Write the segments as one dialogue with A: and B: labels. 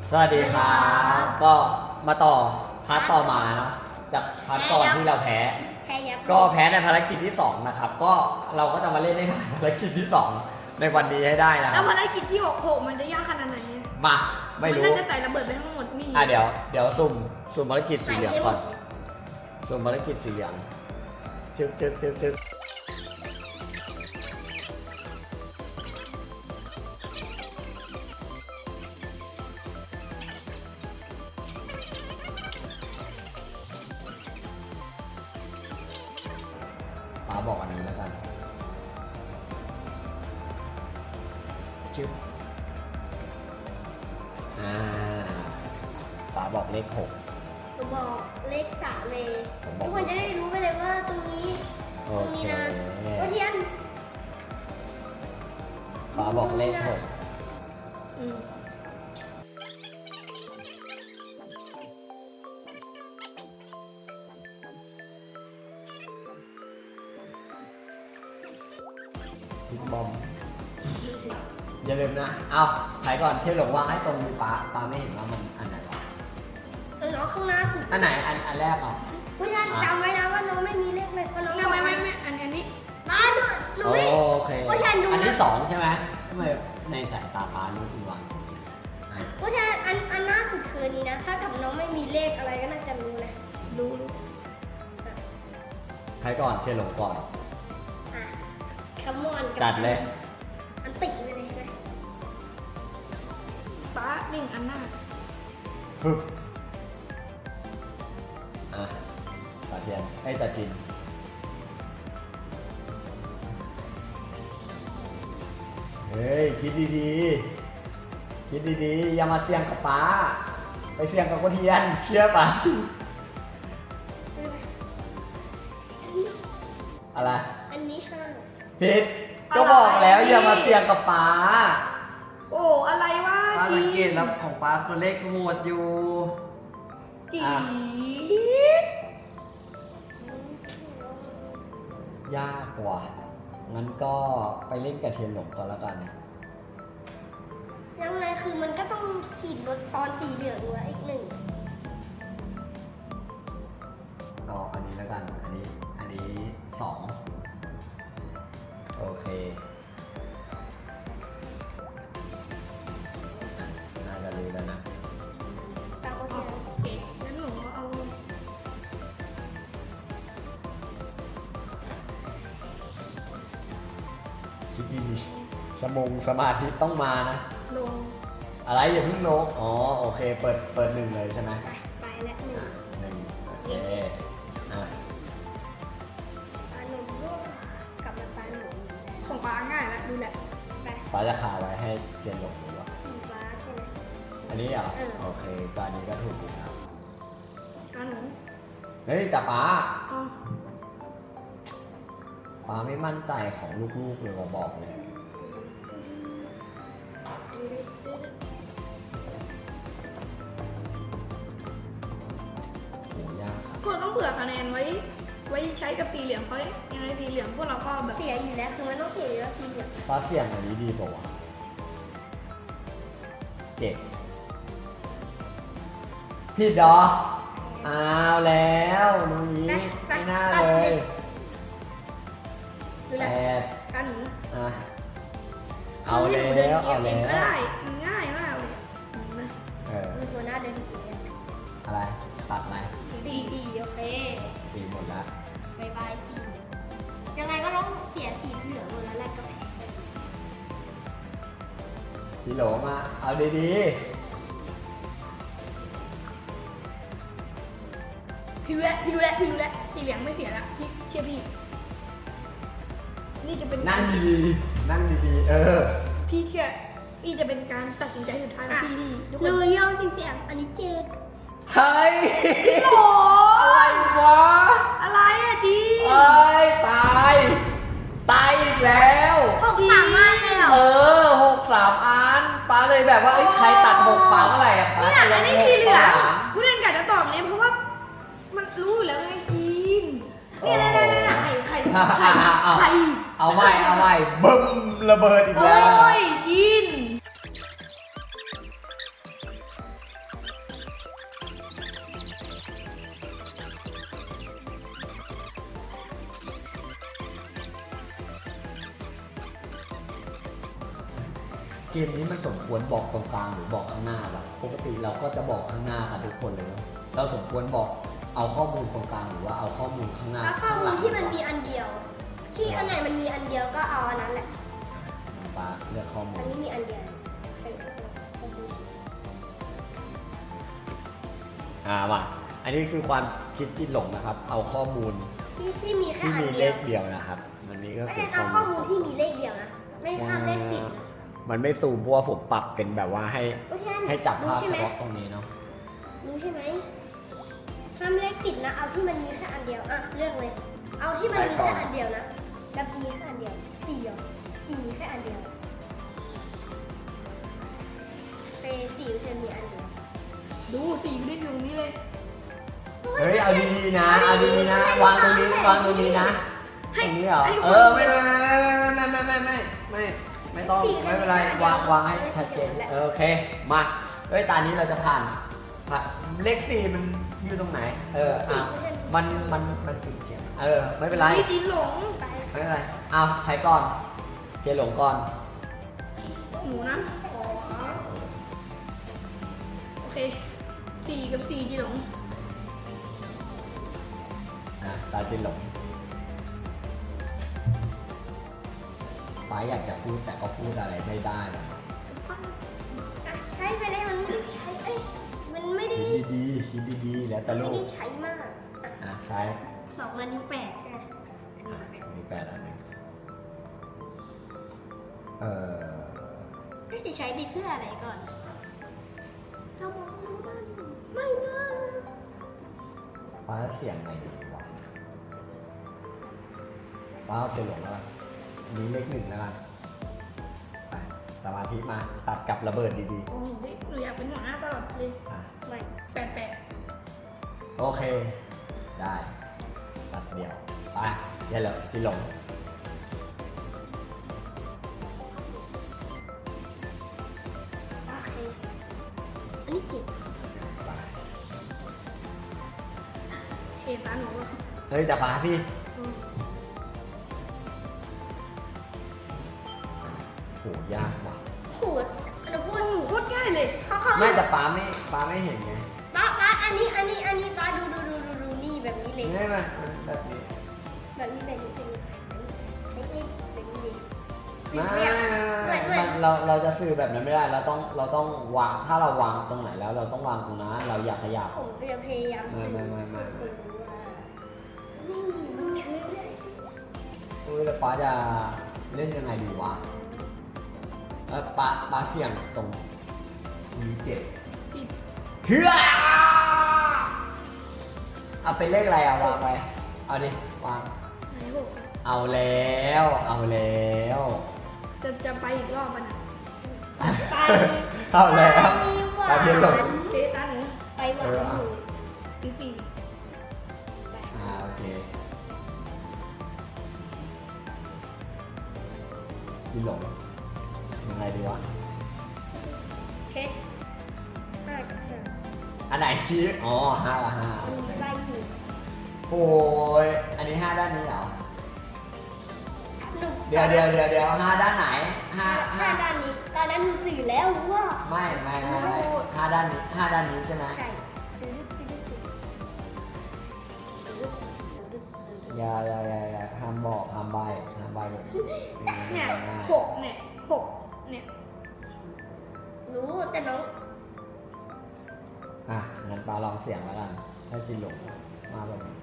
A: สวัสดีครับก็มาต่อพาร์ทต่อมาเนาะจากพาร์ทก่อนที่เราแพ้ก็แพ้ในภารกิจที่2นะครับก็เราก็จะมาเล่นในภารกิจที่2ในวันนี้ให้ได้นะ
B: แล้วภารกิจที่6มันจะยากขนาดไหน
A: มาไม่รู้
B: มันน่าจะใส่ระเบิดไปทั้งหมดนี่
A: เดี๋ยวสุ่มภารกิจสีเหลืองก่อนสุ่มภารกิจสีเหลืองจึ๊กฟ้าบอกอันนี้แล้วกันจึ๊บฟ้าบอกเลข6
C: หนูบอกเลข3เลยทุกคนจะได้รู้ไปเลยว่าตรงนี้
A: โอเค
C: โอเทียน
A: ฟ้าบอกเลข6ทิกบอมอย่าลืมนะเอาถ่ายก่อนเที่ยวหลงวางให้ตรงมือป้าไม่เห็นว่ามันอันไหนวะ
C: น้องข้างหน้าสุด
A: อันไหนอันแรกอ่ะ
C: กูจะจำไว้นะว่าน้องไม่มีเลขเลยเพราะน้อง
B: ไม่อันนี้
C: มาหนูไม่
A: โอเคอันที่2ใช่ไหมทำไมในสายตาป้านี่คุณวาง
C: กูจะอันหน้าสุดคือนี้นะถ้ากับน้องไม่มีเลขอะไรก็น่าจะรู้เลยรู้
A: ใครก่อนเที่ยวหลงก่อน
C: คัมมอน
A: จัดเลย
C: อันติดไปเลยไหม
B: ป้าหนึ่งอันหน้า
A: ฝึกตาเทียนให้ตาจินเฮ้ยคิดดีๆอย่ามาเสี่ยงกับป้าไปเสี่ยงกับคนเทียนเชื่อป่ะอะไร
C: อันนี้5
A: ผิดก็บอกแล้วอย่ามาเสี่ยงกับป้า
B: โอ้อะไรวะ
A: ป้าสังเกตแล้วของป้าตัวเลขโหดอยู่
B: จี
A: ยากกว่างั้นก็ไปเล่นกับเทียนหลงก่อนแล้วกัน
C: ยังไงคือมันก็ต้องขีดรถตอนสีเหลืองด้วยอีก1
A: อันนี้แล้วกันอันนี้2โอเคน่าจะรู้แล้วนะ
B: โอเคงั้นหนูเอา
A: คิดดีสมาธิต้องมานะ
B: ลง
A: อะไรอย่าเพิ่งลงโอเคเปิด1เลยใช่ไหม
C: ไปแล้ว1
A: โอเค
C: หนุ่มลูกกลับมาตาหนุ่ม
B: ของป้าง่ายแล้วดูแหละ
A: ป้าจะคาไว้ให้เทียนหลงหรือเปล่า
C: สีฟ้าใช่ไหม
A: อันนี้เหรอโอเคตอนนี้ก็ถูกแล้ว
B: หนู
A: เฮ้ยแต่ป้าไม่มั่นใจของลูกๆเลยมาบอกเลยโหยาก
B: พวกต้องเผื่อคะแนนไว้ใช้กับสีเหลืองเพราะยังไงสีเหลืองพวกเราก็แบบ
C: เสียอยู่แล้วคือมันต้องเสียอยู่แล้วสีเหลือง
A: ป้าเสี่ยงอันนี้ดีกว่า7ผิดเหรออ้าวแล้วนุ้ยไม่น่าเลย
B: 8กันหนู
A: เอาแล้ว
B: ได้มันง่ายมากเลย
C: มีตัวหน้าเดินสี
A: อะไรตัดไหม
C: ดีโอเค
A: สีหมดแล้ว
C: บายสียังไงก็ต้องเสียสีเหลืองหมดแล้วแหละก็แพ้
A: สีโหลมาเอาดี
B: พี่รู้แล้วสีเหลืองไม่เสียละพี่เชื่อพี่นี่จะเป็น
A: นั่งดี
B: พี่เชื่อพี่จะเป็นการตัดสินใจสุดท้ายของพี่ดี
C: ทุกคนเลยย่อเสียงอันนี้7
A: เฮ้ย
B: โอ้
A: อะไรวะ
B: อะไรอะจี
A: ตายอีกแล้ว
C: 6 3 อันเลยเหรอ
A: 6 3 อันป้าเลยแบบว่าใครตัด6ป้าเมื่อไหร่ป้า
B: เนี่ยอันนี้สีเหลืองกูเล่นกัดจะตอบเนี่ยเพราะว่ามันรู้อยู่แล้วไงกินนี่ไข่
A: เอาไว้บึ้มระเบิดอีกแล้ว
B: โอ้ยกิน
A: มนี้มันสมควรบอกตรงกลางหรือบอกข้างหน้าวะปกติเราก็จะบอกข้างหน้ากันทุกคนเลยเราสมควรบอกเอาข้อมูลตรงกลางหรือว่าเอาข้อมูลข้างหน้า
C: แล้วข้อมูลที่มันมีอันเดียว ที่อันไหนมันมีอันเดียวก็เอาอันนั้นแหละ
A: ปาเลือกข้อมู
C: อั
A: ล
C: นนี้มีอันเดียว
A: ว่ะอันนี้คือความคิดจิตหลงนะครับ เอาข้อมูล
C: ที่มีแค่
A: ที่
C: อัน
A: มีเล
C: เดียว
A: ขเดียวนะครับมันนี้ก็
C: ไม่
A: คือ
C: ได้เอาข้อมูลที่มีเลขเดียวนะ ไม่ห้ามเลขติดนะ
A: มันไม่ซูมเพราะว่าผมปรับเป็นแบบว่าให้
C: โอเค
A: ให้จับภาพ
C: รู้ใช่
A: เฉ
C: ไหม
A: พาะตรงนี้เนาะ
C: รู้ใช่ไหมห้ามเลขติดนะ เอาที่มันมีแค่อันเดียว อ่ะเลือกเลย เอาที่มันมีแค่อันเดียวนะแบบมีแค่อันเดียวสี่เหรอสี่มีแค่อันเดียวเปสี่เซนมีอันเดียว
B: ดูสีไม่ได้อยู่ตรงนี้เลย
A: เฮ้ยเอาดีๆนะเอาดีๆนะวางตรงนี้วางตรงนี้นะตรงนี้เหรอไม่ต้องไม่เป็นไรวางให้ชัดเจนโอเคมาเฮ้ยตอนนี้เราจะผ่านเลข4มันอยู่ตรงไหนมันจุดเขียนไม่เป็นไร
B: นี่จีนหลง
C: ไป
A: ไม่เป็นไรเอาใครก่อนเจหลงก่อน
B: หมูนะโอเค4 กับ 4จีนหลง
A: ตาเจหลงป้าอยากจะพูดแต่ก็พูดอะไรไม่ได้นะ
C: อ่ะใช้ไปเลยมันไม่ได้ใช้เอ้ยมันไม่ได้
A: คิดดีๆแล้วแต่
C: ไม่
A: ลู
C: ได้
A: ก
C: ใช้มากอ่ะ
A: ใช้
C: 2 นาที 8ใช่ไหม
A: มี8 อันหนึ่ง
C: จะใช้ไปเพื่ออะไรก่อนเรามองดูมันไม่นะ
A: ป้าเสียงไหนดีวะป้าเอาเจหลงแล้วกันมีเลข1แล้วกันไปสมาธิมาตัดกับระเบิดดี
B: โอ้โหหนูอยากเป็นหัวหน้าตลอดเลย
A: ๆ
C: ไม่
B: 88
A: โอเค ได้ตัดเดียวไปเดี๋ยวเจหลง
C: โอเคอันนี้เก็บ
B: เทตาหนูอะ
A: เฮ้ยแต่ป้าพี่โหยากว่ะ
C: ขูดเราพูด
B: โอ้โหโคตรง่ายเลย
C: เขา
A: ไม่แต่ป้าไม่เห็นไง
C: ป้าอันนี้ป้าดูนี่แบบนี้เลย
A: นี่มันแบบนี้
C: แบบนี้เป็นไม่ใช่แบบนี้เลย
A: ไม่เราจะสื่อแบบนั้นไม่ได้เราต้องวางถ้าเราวางตรงไหนแล้วเราต้องวางตรงนั้นเราอยากขยับ
C: ผมจะพยายาม
A: ไม่
C: นี่มันคือ
A: แล้วป้าจะเล่นยังไงดีวะป้าเสี่ยงตรงมีเจ็ด
B: ผิด
A: เฮือเอาเป็นเลขอะไรวางไปเอาดิวาง
B: ไหนหก
A: เอาแล้ว
B: จะไปอีกรอบมันอะ
C: ไป
A: เอาแล้ว
C: ไป
A: ตาเทียนหลง
B: เทตาหนู
C: ไปหวานอยู่
B: ที่สี่
A: โอเคพี่หลงยังไงดีวะ
C: โอเค5 กับ 5
A: อันไหนชี้อ๋อ5 กับ
C: มันมีไล่อยู่
A: 5โอ้ยอันนี้5ด้านนี้เหรอ
C: หนู
A: เดี๋ยว5ด้านไหน5
C: 5ด้านนี้ตอนนั้นหนูสื่อแล้วรู้ว่า
A: ไม่5ด้านนี้5ด้านนี้ใช่ไหม
C: ใช่
A: อย่าห้ามบอกห้ามใบแบบนี้
B: เนี่ยหกเนี่ยหกเนี่ย
C: รู้แต่น้อง
A: งั้นปลาลองเสียงแล้วกันถ้าจินหลงมาแบบนี้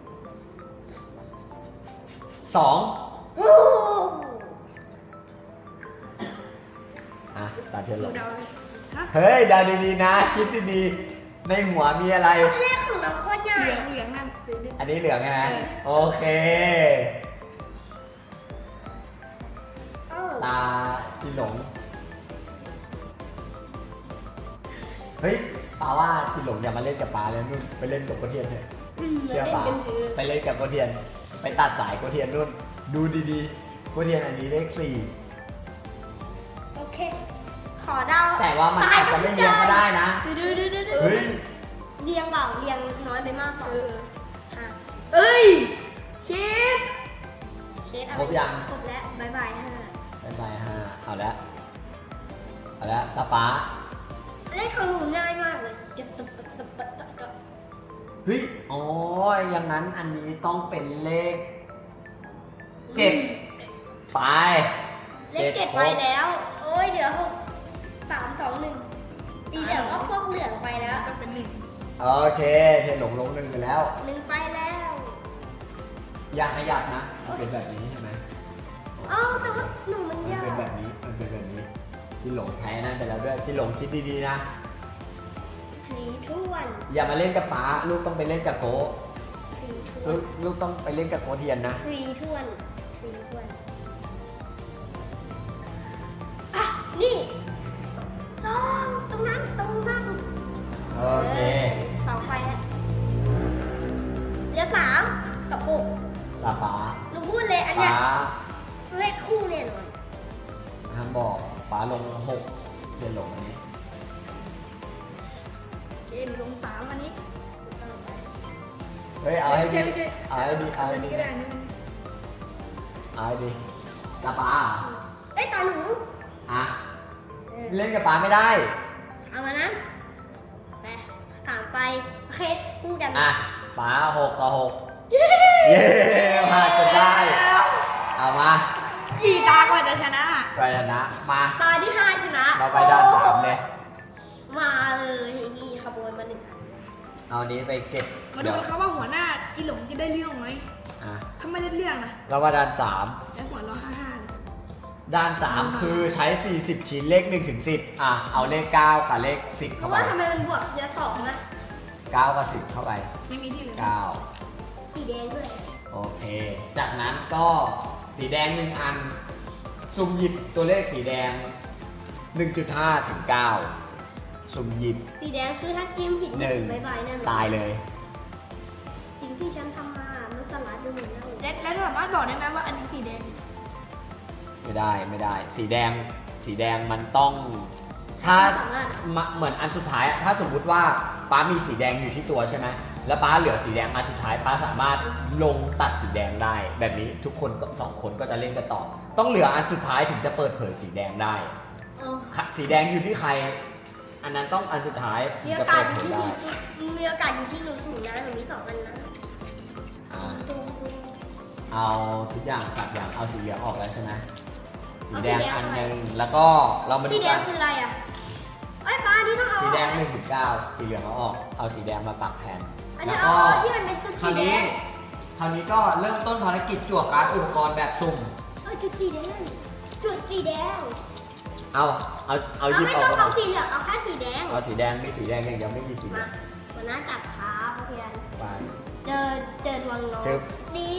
A: 2
C: โอ้
A: ตาเทียนหลง
B: เดาเลยฮะ
A: เฮ้ยเดาดีๆนะคิดดีๆในหัวมีอะไร
C: เลขของน้องโคตรใหญ่
B: เหลืองนั่น
A: อันนี้เหลืองใช่ไหมโอเค ตาจินหลงเฮ้ยปาว่าจินหลงอย่ามาเล่นกับปาแล้วนู่นไปเล่นกับโกเทียนเถอะเชื่อปาไปเล่นกับโกเทียน ไปตัดสายโกเทียนนู่นดูดีๆโกเทียนอันนี้เลข4
C: โอเค ขอเดา
A: แต่ว่ามันอาจจะไม่เรียงก็ได้นะ
C: ดู
A: เฮ้ย
C: เรียงเปล่าเรียงน้อยไปมากกว่าอ่ะ
B: เอ้ยคิด
C: เช็ดเอา
A: ครบยัง
C: ครบแล้วบายบายฮะ
A: บ๊ายบาย5เอาแล้วเอาละตาป้า
C: เลขของหนูง่ายมากเลย
A: เฮ้ยอ๋ออย่างนั้นอันนี้ต้องเป็นเลข7ไป
C: เลข7ไปแล้ว โอ้ยเดี๋ยว3 2 1สีเหลืองก็พวกเหลืองไปแล้ว
B: ก็เป็น1
A: โอเคเทหลงหนึ่งไปแล้ว
C: 1ไปแล้ว
A: อย่าขยับนะมันเป็นแบบนี้ใช่ไหม
C: อ้าวแต่ว่าหนูมัน
A: มัน
C: ยาก
A: เป็นแบบนี้มันเป็นแบบนี้จิหลงแพ้นั่นไปแล้วด้วยจิหลงคิดดีๆนะ
C: สีท้วน
A: อย่ามาเล่นกับป๋าลูกต้องไปเล่นกับโก
C: สีท้ว
A: ลู
C: น
A: กต้องไปเล่นกับโกเทียนนะ
C: สีท้วนสีท้วนอ่ะนี่2ตรงนั้นตรงนั้น
A: โอเค
C: 2ไปแล้วเหลือ3กับ6
A: ตาป๋า
C: หนูพูดเลยอันเนี้
A: ป๋าย
C: เลขคู่แน่นอน
A: ห้ามบอกป๋าลง6เทียนหลงอันนี้
B: เกมลง3อันนี้
A: เฮ้ยเอาให้
B: ไม่
A: ดี
B: ใช่
A: เอาให้ดีเอา
B: อั
A: ให้
B: น
A: ดี
B: นี้ก็ได้อันนี้มัน
A: เอาให้ดีตาป๋า
C: เอ้ยตาหนู
A: อ่ะ
C: เออ
A: เล่นกับป๋าไม่ได้
C: เอามานั้นไป3ไปโอเคคู่กัน
A: อ่ะป๋า6 ต่อ 6เย้ผ่านจะได้เอามา
B: กี่ตากว่าจะชนะ
A: ไปชนะมา
C: ตาที่5ชนะ
A: เราไปด้าน3เลย
C: มาเลยนี่ขบวนมา1อัน
A: เอานี้ไปเก็บ
B: มาดู
A: เดี๋ยว
B: กันครับว่าหัวหน้าอีหลงจะได้เรื่องไหม
A: อ่ะ
B: ถ้าไม่ได้เรื่องนะ
A: เรามาด้าน
B: จะหัวเรา55เลย
A: 3ด้าน 3 คือใช้ 40 ชิ้นเลข1ถึง10อ่ะเอาเลข 9 กับเลข 10
C: เพ
A: เข้า
C: ราะ
A: ไป
C: ว่าทำไมมันบวกเยอะ2นะ
A: 9 กับ 10 เข้าไป
B: ไม่มีที่เหลือ
A: 9
C: สีแดงด้วย
A: โอเค จากนั้นก็สีแดง 1 อัน สุ่มหยิบตัวเลขสีแดง 1.5 ถึง 9 สุ่มหยิบ
C: สีแดงคือถ้าจิ้มผิด
A: หนึ่ง
C: บายบายแน่นอน
A: ตายเลย
C: สิ่งที่ฉันทำมามันสลัดดูเหมือนเดิม
B: และสามารถบอกได้ไหมว่าอันนี้สีแดง
A: ไม่ได้ สีแดงมันต้องถ้า
C: สามารถ
A: เหมือนอันสุดท้ายอะถ้าสมมุติว่าป้ามีสีแดงอยู่ที่ตัวใช่ไหมแล้วป้าเหลือสีแดงอันสุดท้ายป้าสามารถลงตัดสีแดงได้ แบบนี้ทุกคนก็2 คนก็จะเล่นกันต่อ ต้องเหลืออันสุดท้ายถึงจะเปิดเผยสีแดงได้
C: เออ
A: สีแดงอยู่ที่ใคร อันนั้นต้องอันสุดท้ายถึ
C: มี
A: ง
C: โอ
A: จะ
C: กา
A: เปิ
C: ส
A: ด
C: อ
A: เผ
C: ยู่
A: ย
C: ที่
A: ได้
C: มีโอกาสอยู่ที่หนูสูงนะหนูมี2อันนะ
A: อ่า
C: ดู
A: เอาทุกอย่างสับอย่างเอาสีเหลืองออกแล้วใช่ไหมสีแดง
C: เอาสีแดง
A: อันหนึ่งแล้วก็เรามา
C: สี
A: ดู
C: แด
A: กั
C: ง
A: น
C: คืออะไรอ่ะไอ้ยฟ้านี่ต้องเอา
A: สีแดง1 ถึง 9สีเหลืองเอาออกเอาสีแดงมาปักแทน
C: อัน
A: แล้
C: นี้
A: ว
C: เอา
A: ก็
C: ที่มันเป็นจุด
A: ครา
C: สี
A: ว
C: แด
A: นี้
C: ง
A: คราวนี้ก็เริ่มต้นภารกิจจั่วการ์ดอุปกรณ์แบบสุ่ม
C: จุดสีแดงจุดสีแดง
A: เอาหยิบ
C: ไม่
A: ออก
C: ต้อง
A: มา
C: เอาสีเหลืองเอาแค่สีแดง
A: เอาสีแดงมีสีแดงอย่างเดียวไม่มีสีเหลื
C: มา
A: อง
C: วันน้าจับขาเพื่อน
A: ไป
C: เจอดวงน้อง
A: ชึบ
C: นี่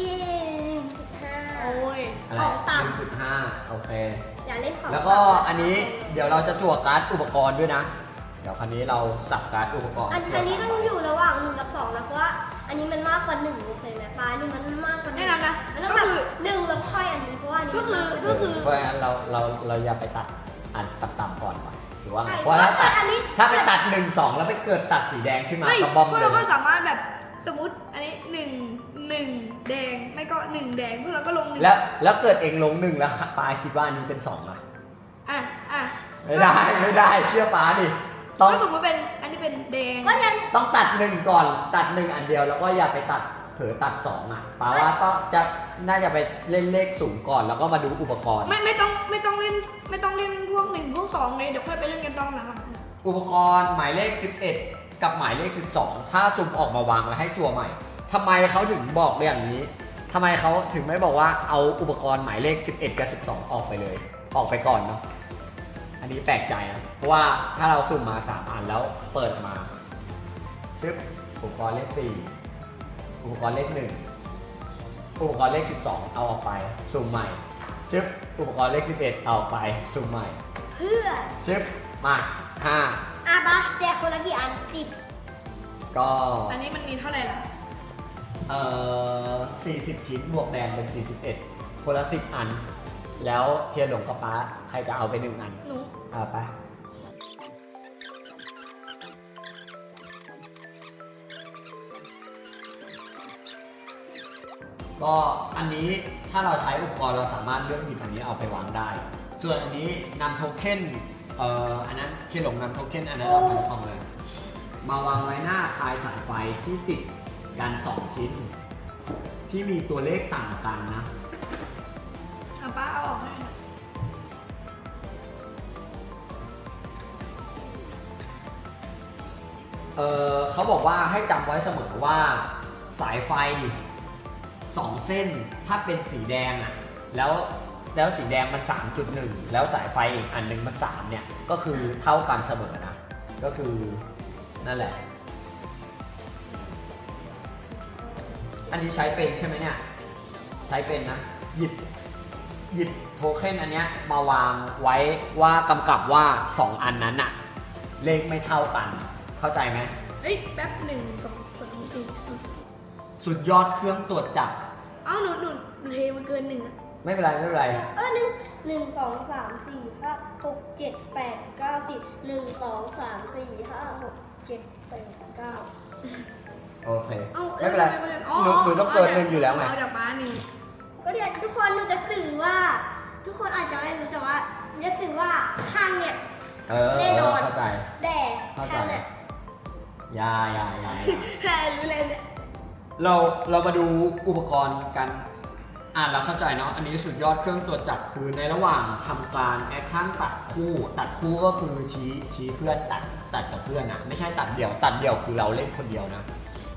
C: 5
B: โอ้ย
A: อะไร
C: ของต่ำ
A: 1.5โอเค
C: อย่าเล่นของ
A: แล้วก็อันนี้เดี๋ยวเราจะจั่วการ์ดอุปกรณ์ด้วยนะ เดี๋ยวคราวนี้เราสับการ์ดอุปกรณ์
C: อันนี้ต้องอยู่ระหว่าง1กับ2นะเพราะว่าอันนี้มันมากกว่า1โอเคไหมฟ้านี่มันมากกว่า1
B: แนะนำนะ
C: มันต้องแบบ1แล้วค่อยอันนี้เพราะว่าอันนี้
B: ก็คือ
A: เพราะฉะนั้นเราอย่าไปตัดอันต่ำๆก่อนว่ะหรือว่าไง
C: ใช่
A: เพราะถ้าตัด
C: อันนี้
A: ถ้าไปตัด1 2แล้วไปเกิดตัดสีแดงขึ้นมา
B: ไม่
A: ก็บอม
B: พวก
A: เล
B: เราก็
A: ย
B: สามารถแบบสมมติอันนี้1แดงไม่ก็1แดงพวกเราก็ลง1
A: แล้วเกิดเองลง1แล้วปาคิดว่าอันนี้เป็น2อ่ะ
B: อ่ะ
A: ไม่ได้เชื่อป้าดิต้อง
B: ก็สมมติเป็นอันนี้เป็นแดง
C: ก็ยัง
A: ต้องตัด1ก่อนตัด1อันเดียวแล้วก็อย่าไปตัดเผลอตัด2อ่ะป้าว่าก็จะน่าจะไปเล่นเลขสูงก่อนแล้วก็มาดูอุปกรณ์
B: ไม่ต้องเล่นพวก1พวก2เลยเดี๋ยวค่อยไปเล่นกันตอนหลัง
A: อุปกรณ์หมายเลข11กับหมายเลข12ถ้าซุ่มออกมาวางแล้วให้จั่วใหม่ทำไมเขาถึงบอกอย่างนี้ทำไมเขาถึงไม่บอกว่าเอาอุปกรณ์หมายเลข11กับ12ออกไปเลยออกไปก่อนเนาะอันนี้แปลกใจนะเพราะว่าถ้าเราสุ่มมา3อันแล้วเปิดมาชึบอุปกรณ์เลข4อุปกรณ์เลข1อุปกรณ์เลข12เอาออกไปสุ่มใหม่ชึบอุปกรณ์เลข11เอาออกไปสุ่มใหม่
C: เพื่อ
A: ชึบมา5
C: อ่ะปะแจกคนละกี่อัน10
A: ก็
B: อันนี้มันมีเท่าไหร่ล่ะ
A: 40 ชิ้นบวกแดงเป็น41คนละ10 อัน แล้วเทียนหลงกับป้าใครจะเอาไป1 อัน
B: หนู
A: เอาไปก็อันนี้ถ้าเราใช้อุปกรณ์เราสามารถเลือกหยิบอันนี้เอาไปวางได้ ส่วนอันนี้นำโทเค็นอันนั้นเคหลงนำโทเค็นอันนั้นเราทำของเลยมาวางไว้หน้าคลายสายไฟที่ติดกัน2ชิ้นที่มีตัวเลขต่างกันนะ
B: เอาป้าเอาออกให้หน่อย
A: เขาบอกว่าให้จำไว้เสมอว่าสายไฟ2เส้นถ้าเป็นสีแดงอ่ะแล้วสีแดงมัน 3.1 แล้วสายไฟอีกอันหนึงมัน3เนี่ยก็คือเท่ากันเสมอนะก็คือนั่นแหละอันนี้ใช้เป็นใช่ไหมเนี่ยใช้เป็นนะหยิบโทเค็นอันเนี้ยมาวางไว้ว่ากำกับว่า2อันนั้นอะเลขไม่เท่ากันเข้าใจไหม
B: เอ้ยแป๊บ1 2 3 4
A: สุดยอดเครื่องตรวจจับ
B: เอ้าหนูเทมันเกิน1อะ
A: ไม่เป็นไรไม่เป็นไร
C: หนึ่งสองสามสี่ห้าหกเจ็ดแปดเก้าสิบ1 2 3 4 5 6 7 8 9
A: โอเค
B: เอ้า
A: ไม่เป็นไรหนูต้องเกิน1อยู่แล้วไง
B: เอาจากป้า1
C: ก็เดี๋ยวทุกคนหนูจะสื่อว่า ทุกคนอาจจะไม่รู้แต่ว่าจะสื่อว่าข้างเนี่ย แน่นอน
A: เข้าใจ
C: แต่
A: เข้าใจ
C: ข้างเนี่ย
A: อยา
B: แค่รู้เลยเนี่ย
A: เรามาดูอุปกรณ์กันเราเข้าใจเนาะอันนี้สุดยอดเครื่องตรวจจับคือในระหว่างทำการแอคชั่นตัดคู่ก็คือชี้เพื่อนตัดกับเพื่อนนะไม่ใช่ตัดเดี่ยวคือเราเล่นคนเดียวนะ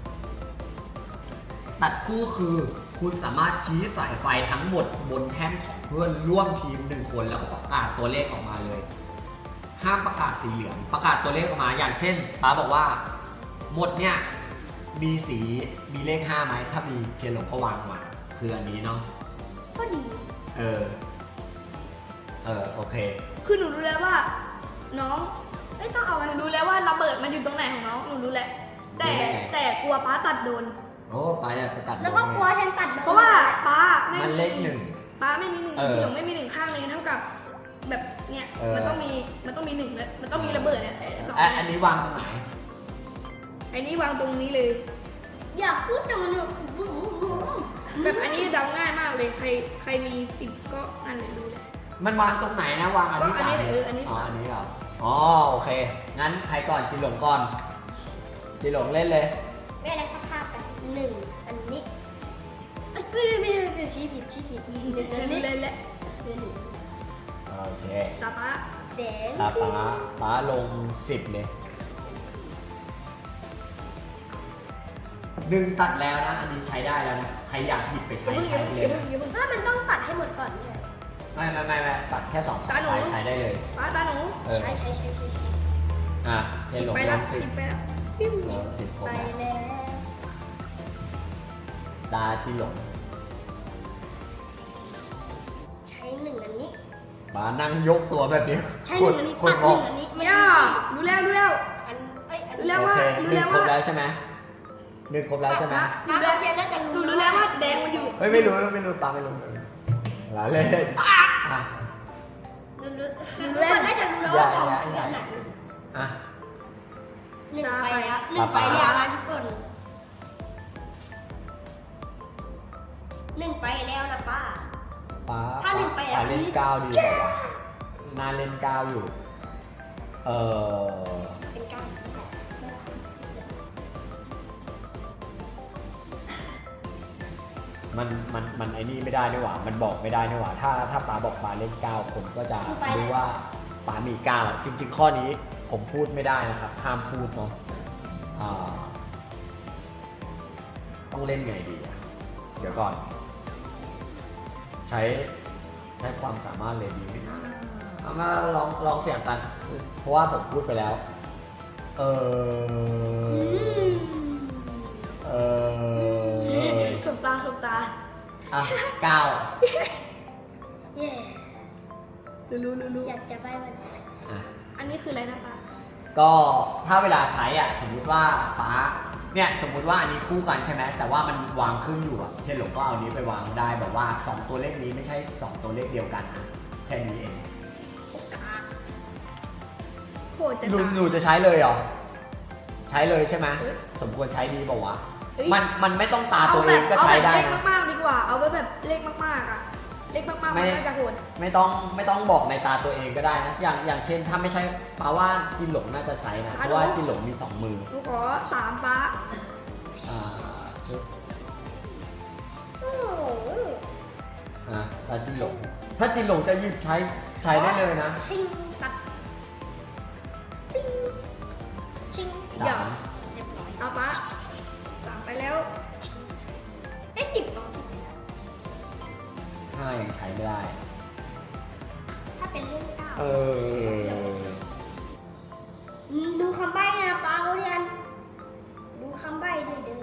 A: ตัดคู่คือคุณสามารถชี้สายไฟทั้งหมดบนแท่นของเพื่อนร่วมทีม1คนแล้วก็ประกาศตัวเลขออกมาเลยห้ามประกาศสีเหลืองประกาศตัวเลขออกมาอย่างเช่นป้าบอกว่าหมดเนี่ยมีเลข5ไหมถ้ามีเทียนหลงก็วางมาคืออันนี้เนาะ
C: ก็ดี
A: โอเค
B: คือหนูรู้แล้วว่าน้องไม่ต้องเอาหนูรู้แล้วว่าระเบิดมันอยู่ตรงไหนของน้องหนูรู้แล้วแต่กลัวป้าตัดโดน
A: โอ้ป้าจะไปตัด
C: แล้วก็กลัวแทนตัด
B: เพราะว่าป้าไม่
A: มันเลขหนึ่ง
B: ป้าไม่มี1พี่หลงไม่มี1ข้างเลยเท่ากับแบบเนี่ยมันต้องมี1แล้วมันต้องมีระเบิดเนี่ยแต่สอง
A: อันนี้วางตรงไหน
B: ไอ้นี่วางตรงนี้เลย
C: อยากพูดแต่มันแบบ
B: แบบอันนี้เดาง่ายมากเลยใครมี10ก็อันไหนรู้เลย
A: มันวางตรงไหนนะวางอันที่
B: ก็อันนี้
A: 3
B: แหละอันนี้
A: อันนี้เหรออ๋อโอเคงั้นใครก่อนจิหลงก่อนจิหลงเล่นเลย
C: แม่ได้ภาพกัน1อันนี้ไม่ชี้ผิดอันนี้
B: เลยแหละ
A: โอเค
B: ตาป้า
C: แดง
A: ป้าลง10เลย1ตัดแล้วนะอันนี้ใช้ได้แล้วนะใครอยากหยิบไปใช้ใช้เลยนะ
C: ถ้ามันต้องตัดให้หมดก่อนเนี่ย
A: ไม่ตัดแค่2สายใช้ได้เลย
B: ป้าตาหนู
C: ใช้
A: เทียนหลง
B: ไป
A: ล
B: แล้ว
A: ง10
B: 10ไปแล้วปิ้ม
A: 10
C: ไปแล้ว
A: ตาจิหลง
C: ใช้1อันนี้
A: ป้านั่งยกตัวแบบนี้
C: ใช้1อันนี้
A: คน
C: ตัด
A: มอง
C: 1อันนี้ไม่
B: ย่ารู้แล้ว
C: อัน
B: รู้แล้ว
A: โอ
B: ว่า
A: เค
B: รู้
A: หนึ่
B: แล้
A: ง
B: ว
A: คร
B: ว่า
A: บแล้วใช่ไหม1ครบแล้วใช่ไหม
C: รู้แล้วเทียนน่าจะ
B: หนูรู้แล้วว่าแดงมันอยู่
A: เฮ้ยไม่รู้ป้าไม่รู้ลาเล่นอ่ะ
C: รู้แล้วน่าจะรู้แล้วว่าของอันไหน
A: อ่ะ
C: 1ไปแล้ว1ไปแล้วนะทุกคน1ไปแล้วนะป้า
A: ป้า
C: ถ้าหนึ่งไปอ่ะ
A: ป้าเล่น9ดีกว่าวะน่าเล่น9อยู่
C: เป็นการ
A: มันไอ้นี่ไม่ได้ด้วยว่ะมันบอกไม่ได้ด้วยว่ะถ้าป้าบอกป้าเล่น9คนก็จะรู้ว่าป้ามี9จริงๆข้อนี้ผมพูดไม่ได้นะครับห้ามพูดเนาะต้องเล่นไงดีอ่ะเดี๋ยวก่อนใช้ความสามารถเลยดีไหมเอามาลองเสียงกัน เพราะว่าผมพูดไปแล้ว
B: สบตา
A: อ่ะ9
C: เย่
B: รู้
C: อยากจะไปวัน
A: อ่ะ
B: อันนี้คืออะไรนะป้า
A: ก็ถ้าเวลาใช้อ่ะสมมุติว่าป้าเนี่ยสมมุติว่าอันนี้คู่กันใช่ไหมแต่ว่ามันวางครึ่งอยู่อ่ะเทนหลงก็เอาอันนี้ไปวางได้แบบว่า2ตัวเลขนี้ไม่ใช่2ตัวเลขเดียวกันอ่ะแค่นี้เอง
B: โหดจะ
A: หนูจะใช้เลยเหรอใช้เลยใช่ไหมสมควรใช้ดีบอกว่าวะมันไม่ต้องตาตัวเองก็ใช้ได้
B: เอาแบบเลข
A: นะ
B: มากๆดีกว่า เอาแบบเลขมากๆอ่ะเล็กมากๆมันน่าจะโหด
A: ไม่ต้องบอกในตาตัวเองก็ได้นะอย่างเช่นถ้าไม่ใช่ป้าว่าจินหลงน่าจะใช้นะเพราะว่าจินหลงมี2 มือ
B: หนูขอ3ป้า
A: ชุด
C: โอ้โห
A: ตาจินหลงถ้าจินหลงจะหยิบใช้ได้เลยนะ
C: ชิงตัดปิ้งชิง
A: สาม
C: เรียบร้อย
B: เอาป้า3ไปแล้ว
C: ได้10เนาะ
A: 5ยังใช้ไม่ได้
C: ถ้าเป็นเรื่องเก้า ดูคำใบ้นะป้าเขาเรียนดูคำใบ้ด้วยเด้อ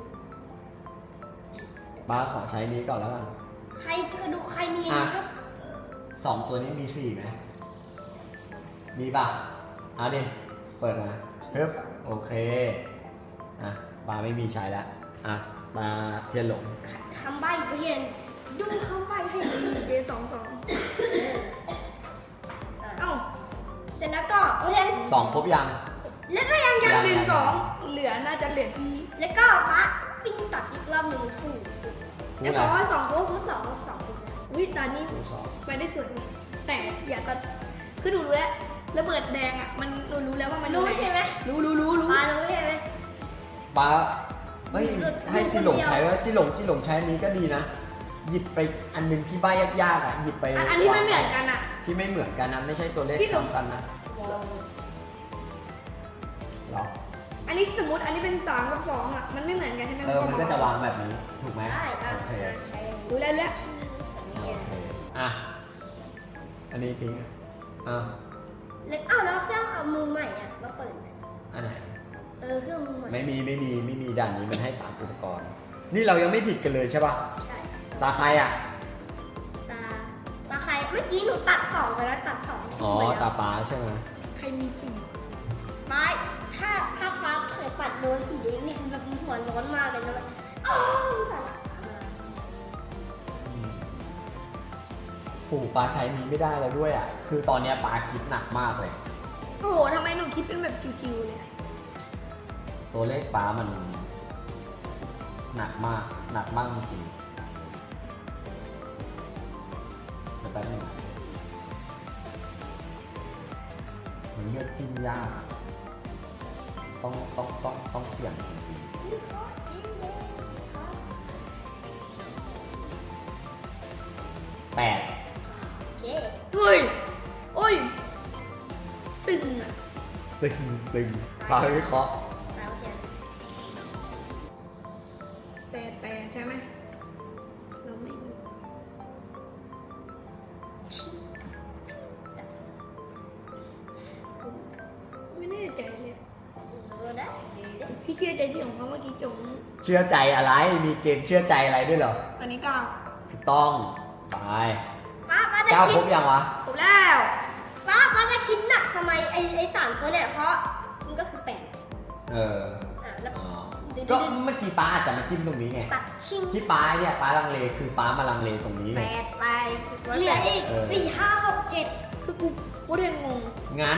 A: ป้าขอใช้นี้ก่อนแล้วกัน
C: ใครกระดูกใครมีอันนี้ครับ
A: 2 ตัวนี้มี4ไหมมีป่ะเอาดิเปิดมาเฮ้ยโอเคป้าไม่มีใช้แล้วป้าเทียนหลง
C: คำใบ้เขาเรียนดูคำใบ้ให้ดี
B: เจ2 เอ้า
C: เสร็จแล้วก็เขาเรียน
A: 2 ครบยัง
C: แล้วก็ยัง
B: 1 2เหลือน่าจะเหลือที่
C: แล้วก็ป้าปิ้งตัดอีกรอบหนึ่งถูก
B: ไอ้ขอให้2ครบ
C: คู่สองคู่
B: วิตานี้
A: คู่สอง
B: ไปได้สวยดีแต่อย่าตัดคือหนูรู้แล้วระเบิดแดงอ่ะมันหนูรู้แล้วว่ามัน
C: รู้ใช่ไหม
B: รู้
C: ป้ารู้ใช่ไหม
A: ป้าเฮ้ยให้จินหลงใช้ว่าจินหลงใช้อันนี้ก็ดีนะ หยิบไปอันหนึงที่ใบยากๆหยิบไป
B: อันนี้ไม่เหมือนกันอ่ะ
A: ที่ไม่เหมือนกันนะไม่ใช่ตัวเลข
B: พี่หลง
A: ซ้ำกันนะหรอ
B: อันนี้สมมติอันนี้เป็น3 กับ 2อ่ะมันไม่เหมือนกันใช่ไหม
A: มันก็จะวางแบบนี้ถูกไหม
C: ได้
A: โอเค
C: ใช้
B: รู้แล้ว
A: โอเคอันนี้ทิ้ง
C: แล้วแล้วเครื่องเอามือใหม่อ่ะมาเปิด
A: อันไหน
C: เครื่องมือใหม่
A: ไม่มีด่านนี้มันให้3 อุปกรณ์นี่เรายังไม่ผิดกันเลยใช่ป่ะ
C: ใช่
A: ตาใครอ่ะ
C: ตาใครเมื่อกี้หนูตัด2ไปแล้วตัด2
A: ตาป้าใช่ไหม
B: ใครมีสิ่ง
C: ไม่ถ้าฟ้าเผยปัดโดนสีแดงนี่คือแบบหัวร้อนมากเลยนะแบบอ้าวสาระ
A: ปู่ป้าใช้นี้ไม่ได้แล้วด้วยอ่ะคือตอนเนี้ยป้าคิดหนักมากเลย
B: โอ้โหทำไมหนูคิดเป็นแบบชิวๆเนี่ย
A: ตัวเลขป้ามันหนักมากจริงๆเดี๋ยวแป๊บนึงมันเลือกจิ้มยากอะต้องเสี่ยงจริงๆ8
C: โอเค
B: เฮ้ยโอ้ยตึงอ่ะ
A: ตึงป้าวิเคราะห์
C: ตามเทียน
B: 8 ใช่ไหมเราไม่มีไม่แน่ใจเลย
C: ได้
B: พี่เชื่อใจที่ของเขาเมื่อกี้จง
A: เชื่อใจอะไรมีเกมเชื่อใจอะไรด้วยเหรอ
B: ตอนนี้9
A: ถูกต้องไป
C: ป้าจะ
A: 9 ค
C: คิ
A: ร
C: ด
A: บยังวะ
B: ครบแล้ว
C: ป้าจะคิดหนักทำไมไอ้3ตัวเนี่ยเพราะมันก็คือ8แล้ว
A: อ๋อก็เมื่อกี้ป้าอาจจะมาจิ้มตรงนี้ไง
C: ตัดชิง
A: ที่ป้าเนี่ยป้าลังเลคือป้ามาลังเลตรงนี้ไง
C: 8ไปเหลืออีก4 5 6 7
B: คือกูเรียนงง
A: งั้น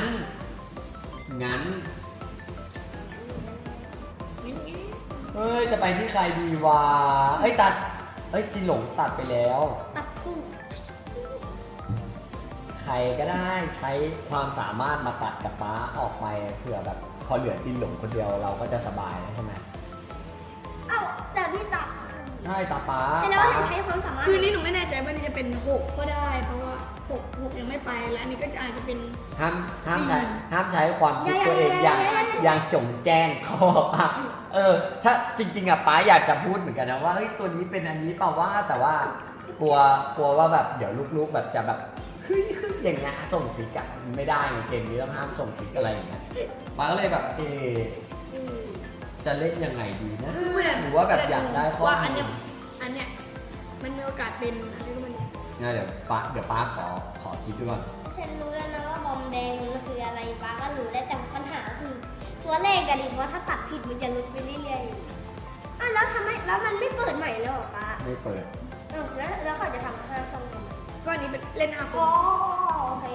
A: เฮ้ยจะไปที่ใครดีวะจินหลงตัดไปแล้ว
C: ตัดคู่
A: ใครก็ได้ใช้ความสามารถมาตัดกับป้าออกไปเผื่อแบบพอเหลือจินหลงคนเดียวเราก็จะสบายแล้วใช่ไหม
C: แต่พี่ตัด
A: ใช่ตาป้า
C: แต่เราใช้ความสามารถ
B: คือนี่หนูไม่แน่ใจว่านี่จะเป็น6ก็ได้ เพราะว่า6ยังไม่ไปแล้วอันนี้ก็อาจจะเป็น
A: ห้ามใช้
B: สี่
A: ห้ามใช้ความคิดตัวเองอย่างจงแจ้งเขาบอกว่าถ้าจริงๆอะป้าอยากจะพูดเหมือนกันนะว่าเฮ้ยตัวนี้เป็นอันนี้เปล่าว่าแต่ว่ากลัวว่าแบบเดี๋ยวลูกๆแบบจะแบบเฮ้ยอย่างเงี้ยส่งสิกอะไม่ได้ไงเกมนี้ต้องห้ามส่งสิกอะไรอย่างเงี้ยป้าก็เลยแบบจะเล่นยังไงดีนะ
B: คือไม่ได้
A: หรือว่าแบบอยากได้ข้อ
B: ว่าอัน
A: มู
B: เนี้ยมันมีโอกาสเป็นอะไรก็มัน
A: งั้นเดี๋ยวป้าขอคิดดูก่อน
C: ฉันรู้แล้วนะว่าบอมแดงมันคืออะไรป้าก็รู้แล้วแต่ปัญหาคือตัวเลขกันดิว่าถ้าตัดผิดมันจะลดไปเรื่อยๆแล้วทำไมแล้วมันไม่เปิดใหม่แล้วหรอป้า
A: ไม่เปิด
C: แล้วเขาจะทำ5 ช่องทำไม
B: ก็อันนี้เป็นเล่น5 คน
C: โอเค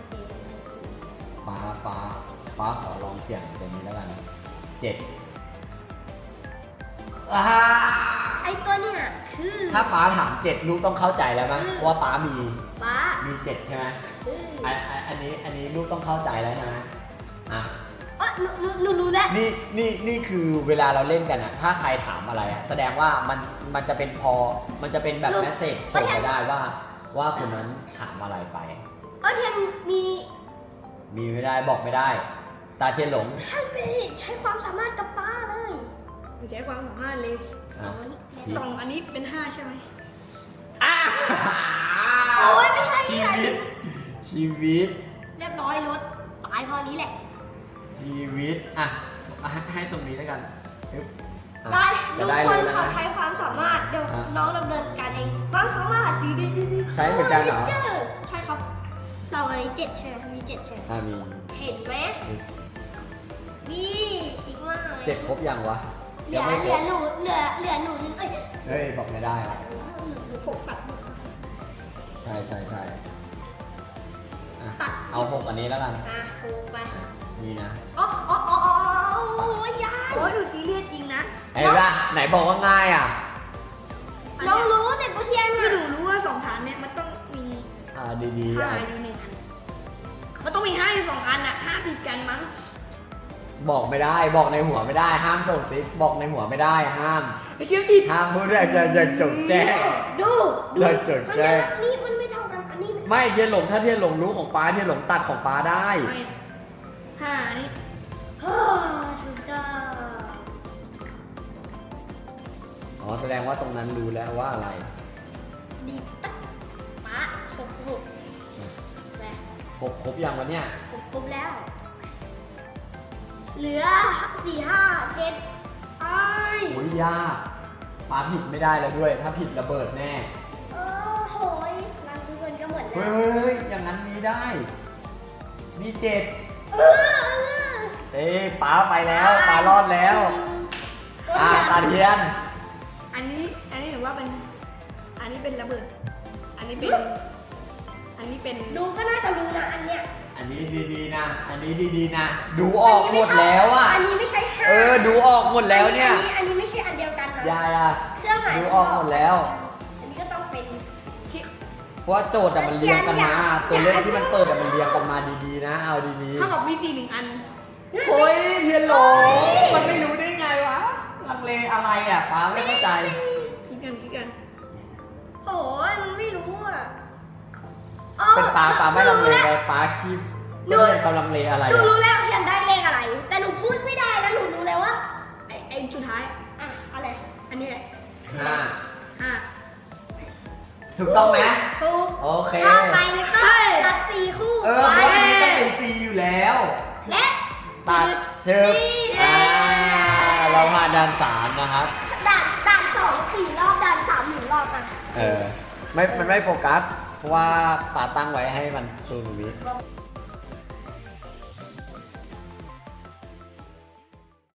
A: ป้าขอลองเสี่ยงตัวนี้แล้วกัน7
C: ไอตัวเนี่ยคคือ
A: ถ้าป้าถาม7ลูกต้องเข้าใจแล้วมั้ยว่าป้ามี
C: ป้า
A: มี7ใช่ไหม
C: คือ
A: อันนี้ลูกต้องเข้าใจแล้วใช่ไหมอ่ะ
C: หนูรู้แล้ว
A: นี่คือเวลาเราเล่นกันอะถ้าใครถามอะไรอะแสดงว่ามันจะเป็นมันจะเป็นแบบแมสเซจส่งไปได้ว่าคนนั้นถามอะไรไป
C: เทียนมี
A: มีไม่ได้บอกไม่ได้ ตาเทียนหลง
C: ใช้ความสามารถกับป้าเลย
B: ใช้ความสามารถเลย
A: อ่ะ
B: สองอันนี้เป็น5ใช่ไหม
A: อ่ะ
C: โอ้ยไม่ใช่
A: ชีวิต
C: เรียบร้อยรถตายพอนี้แหละ
A: ชีวิตอ่ะให้ตรงนี้แล้วกันอึ๊บอ่ะ
C: ได้
A: จะ
C: ทุก
A: ได้
C: ค
A: เล
C: น
A: ยนะ
C: เขาใช้ความสามารถเดี๋ยวน้องดำเนินการเองความสามารถดี
A: ใช้เหมือนกันเหรอ
C: ใช่ครับเราอันนี้7ใช่ไหมมี7ใช่ไหม
A: อ่ะมี
C: เห็นไหมนี่ชิคมาก
A: 7ครบยังวะ
C: เหลื
A: ยั
C: อง
A: ไม่ครบ
C: หนูเหลือหนูนึงเอ้ย
A: เฮ้ยบอกไม่ได้วะ
C: หนูผมตัด
A: ใช่อ่ะ
C: ตัด
A: เอา6อันนี้แล้วกัน
C: โอ้ไป
A: นี่นะ
C: โอ้ยยาย
B: โอ้ยดูซีเรียสจริงนะ
A: ไอ้ป่ะไหนบอกว่าง่ายอ่ะ
C: น้องรู้แต่กูเทียน
B: คือ
C: อ่ะ
B: หนูรู้ว่า2ฐานเนี่ยมันต้องมี
A: ดีๆ
B: 5
A: อ่ะ
B: อยู่1อันมันต้องมี5อยู่2อันอะ5ติดกันมั้ง
A: บอกไม่ได้บอกในหัวไม่ได้ห้ามส่งซิกบอกในหัวไม่ได้ห้าม
B: ไอ้เชี่ยผิด
A: ห้ามพูดอย่างจงแจ้ง
C: ดู
A: เราจดแจ้ง
C: อันนี้มันไม่เท่ากันอันนี้
A: ไม่เทียนหลงถ้าเทียนหลงรู้ของป้าเทียนหลงตัดของป้าได้
B: ไม่5อันนี้
C: ถูกต้อง
A: อ๋อแสดงว่าตรงนั้นรู้แล้วว่าอะไร
C: ดีปั๊บป๊าหกแหละ
A: ครบยังวะเนี่ย
C: ครบแล้ว เหลือ4 5 7ไอ้
A: โอ้ยยากป้าผิดไม่ได้แล้วด้วย ถ้าผิดระเบิดแน่
C: โอ้โหรังทุกคนก็หมด
A: เฮ้
C: แล้ว
A: ยอย่างนั้นมีได้ มี7
C: เออ
A: เอ้ป้าไปแล้วป้ารอดแล้วตาเทียน
B: อันนี้ถือว่าเป็นอันนี้เป็นระเบิด อันนี้เป็น
C: ดูก็น่าจะรู้นะอันเนี้ย
A: อันนี้ดีๆนะ อันนี้ดีๆนะ ดูออกหมดแล้วอ่ะ
C: อันนี้ไม่ใช่ห้า
A: ดูออกหมดแล้วเนี่ย
C: อันนี้ไม่ใช่อันเดียวกันนะ
A: ยาย
C: เครื่องหมาย
A: ดูออกหมดแล้ว
C: อันนี้ก็ต้องเป็น
A: เพราะว่าโจทย์อะมันเรียงกันมา ตัวเลขที่มันเปิดอะมันเรียงกันมาดีๆนะ เอาดี
B: เท่ากับมี4 1อัน
A: ๆโอ้ยเทียนหลงมันไม่รู้ได้ไงวะ ลังเลอะไรอ่ะป้าไม่เข้าใจ
B: คิดกัน
C: โอ้ยมันไม่รู้อ่ะ
A: เป็นป้าไม่ลังเลเลยป้าคิดไม่เรียนเขาลังเลอะไร
C: หนู
A: อะ
C: รู้แล้วเขียนได้เลขอะไร แต่หนูพูดไม่ได้แล้วหนูรู้แล้วว่า
B: ไอ้สุดท้าย
C: อะไร
B: อันนี้แหละ
A: 5
B: 5
A: ถูกต้องไหม
C: ถูก
A: โอเค
C: ข้าไปแล้วก็ตัด4 คู่
A: เพราะ
C: ไว้
A: อันนี้ต้องเป็น C อยู่แล้ว
C: และ
A: ตัดเจอเราผ่านด่าน3นะครับ
C: ด่าน2 4 รอบด่าน3 1 รอบอ่ะ
A: มันไม่โฟกัส เพราะว่าป่าตั้งไว้ให้มัน0 วิ